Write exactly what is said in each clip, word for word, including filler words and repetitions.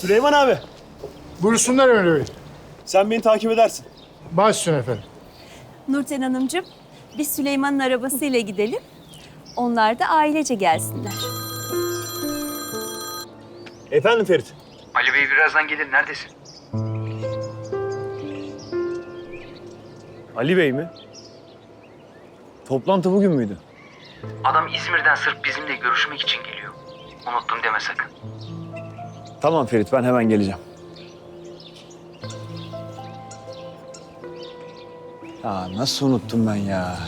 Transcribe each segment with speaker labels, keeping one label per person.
Speaker 1: Süleyman abi,
Speaker 2: Buyursunlar Emre Bey.
Speaker 1: sen beni takip edersin.
Speaker 2: Baş üstüne efendim.
Speaker 3: Nurten Hanımcığım, biz Süleyman'ın arabasıyla gidelim. Onlar da ailece gelsinler.
Speaker 1: Efendim Ferit?
Speaker 4: Ali Bey birazdan gelir. Neredesin?
Speaker 1: Ali Bey mi? Toplantı bugün müydü?
Speaker 4: Adam İzmir'den sırf bizimle görüşmek için geliyor. Unuttum deme sakın.
Speaker 1: Tamam Ferit, ben hemen geleceğim. Ya nasıl unuttum ben ya?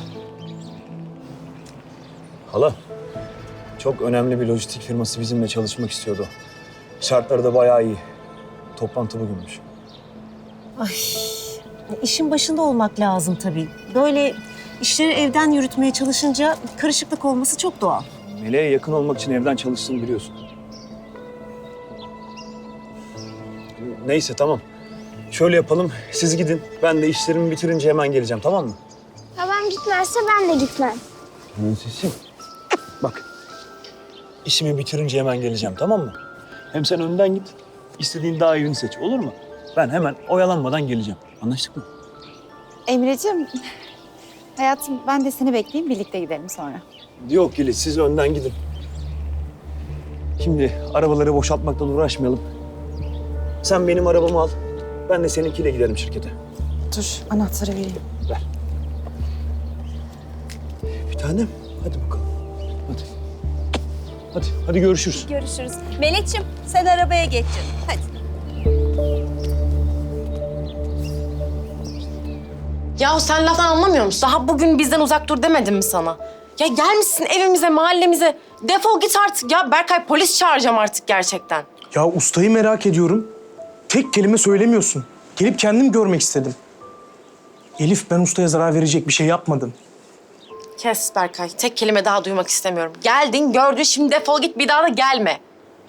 Speaker 1: Hala, çok önemli bir lojistik firması bizimle çalışmak istiyordu. Şartları da bayağı iyi. Toplantı bugünmüş.
Speaker 5: Ay, işin başında olmak lazım tabii. Böyle işleri evden yürütmeye çalışınca karışıklık olması çok doğal.
Speaker 1: Meleğe yakın olmak için evden çalıştığını biliyorsun. Neyse tamam. Şöyle yapalım, siz gidin. Ben de işlerimi bitirince hemen geleceğim, tamam mı?
Speaker 6: Babam gitmezse ben de gitmem.
Speaker 1: Prensesim. Bak, işimi bitirince hemen geleceğim, tamam mı? Hem sen önden git, istediğin daha iyini seç, olur mu? Ben hemen oyalanmadan geleceğim. Anlaştık mı?
Speaker 7: Emre'cim, hayatım ben de seni bekleyeyim, birlikte gidelim sonra.
Speaker 1: Yok Yeliz, siz önden gidin. Şimdi arabaları boşaltmaktan uğraşmayalım. Sen benim arabamı al, ben de seninkiyle giderim şirkete.
Speaker 7: Dur, anahtarı vereyim.
Speaker 1: Ver. Bir tanem, hadi bakalım. Hadi. Hadi, hadi görüşürüz.
Speaker 3: Görüşürüz. Melek'ciğim, sen arabaya geç canım. Hadi.
Speaker 8: Yahu sen laftan anlamıyor musun? Daha bugün bizden uzak dur demedim mi sana? Ya gelmişsin evimize, mahallemize. Defol git artık ya. Berkay, polis çağıracağım artık gerçekten.
Speaker 9: Ya ustayı merak ediyorum. Tek kelime söylemiyorsun. Gelip kendim görmek istedim. Elif, ben ustaya zarar verecek bir şey yapmadım.
Speaker 8: Kes Berkay. Tek kelime daha duymak istemiyorum. Geldin, gördün, şimdi defol git. Bir daha da gelme.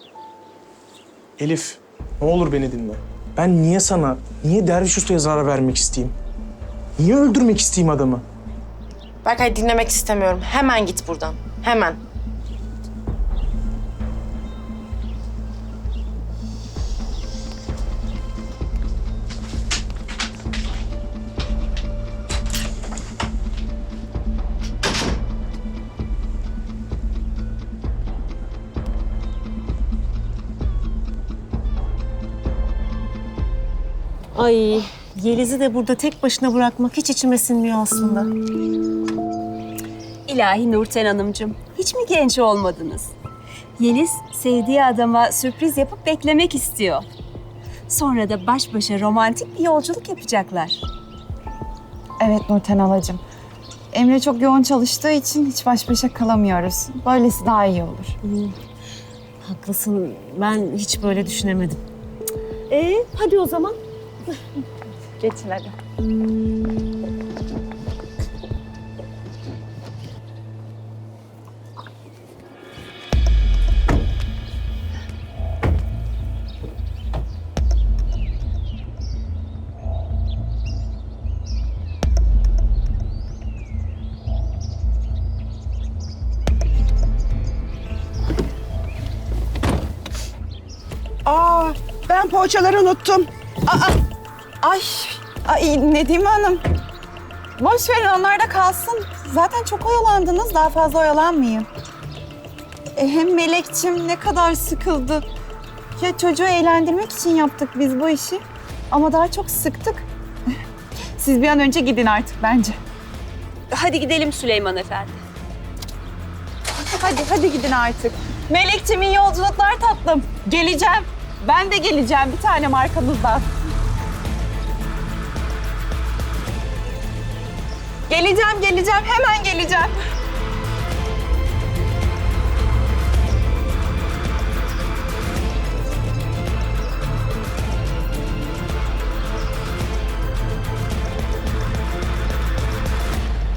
Speaker 9: Elif, ne olur beni dinle. Ben niye sana, niye Derviş ustaya zarar vermek isteyeyim? Niye öldürmek isteyeyim adamı?
Speaker 8: Berkay, dinlemek istemiyorum. Hemen git buradan. Hemen.
Speaker 5: Ay, Yeliz'i de burada tek başına bırakmak hiç içime sinmiyor aslında.
Speaker 3: İlahi Nurten Hanımcığım, hiç mi genç olmadınız? Yeliz, sevdiği adama sürpriz yapıp beklemek istiyor. Sonra da baş başa romantik bir yolculuk yapacaklar.
Speaker 7: Evet Nurten halacığım. Emre çok yoğun çalıştığı için hiç baş başa kalamıyoruz. Böylesi daha iyi olur.
Speaker 5: Hmm, haklısın, ben hiç böyle düşünemedim. Ee, hadi o zaman.
Speaker 7: Geçin hadi.
Speaker 10: Aa, ben poğaçaları unuttum.
Speaker 7: Aa, ay, ay Nedime Hanım. Boş verin, onlar da kalsın. Zaten çok oyalandınız, daha fazla oyalanmayın. E, hem Melekçim ne kadar sıkıldı. Ya çocuğu eğlendirmek için yaptık biz bu işi. Ama daha çok sıktık. Siz bir an önce gidin artık bence.
Speaker 3: Hadi gidelim Süleyman Efendi.
Speaker 7: Hadi, hadi gidin artık. Melekçim, iyi yolculuklar tatlım. Geleceğim. Ben de geleceğim bir tanem arkanızdan. Geleceğim, geleceğim. Hemen geleceğim.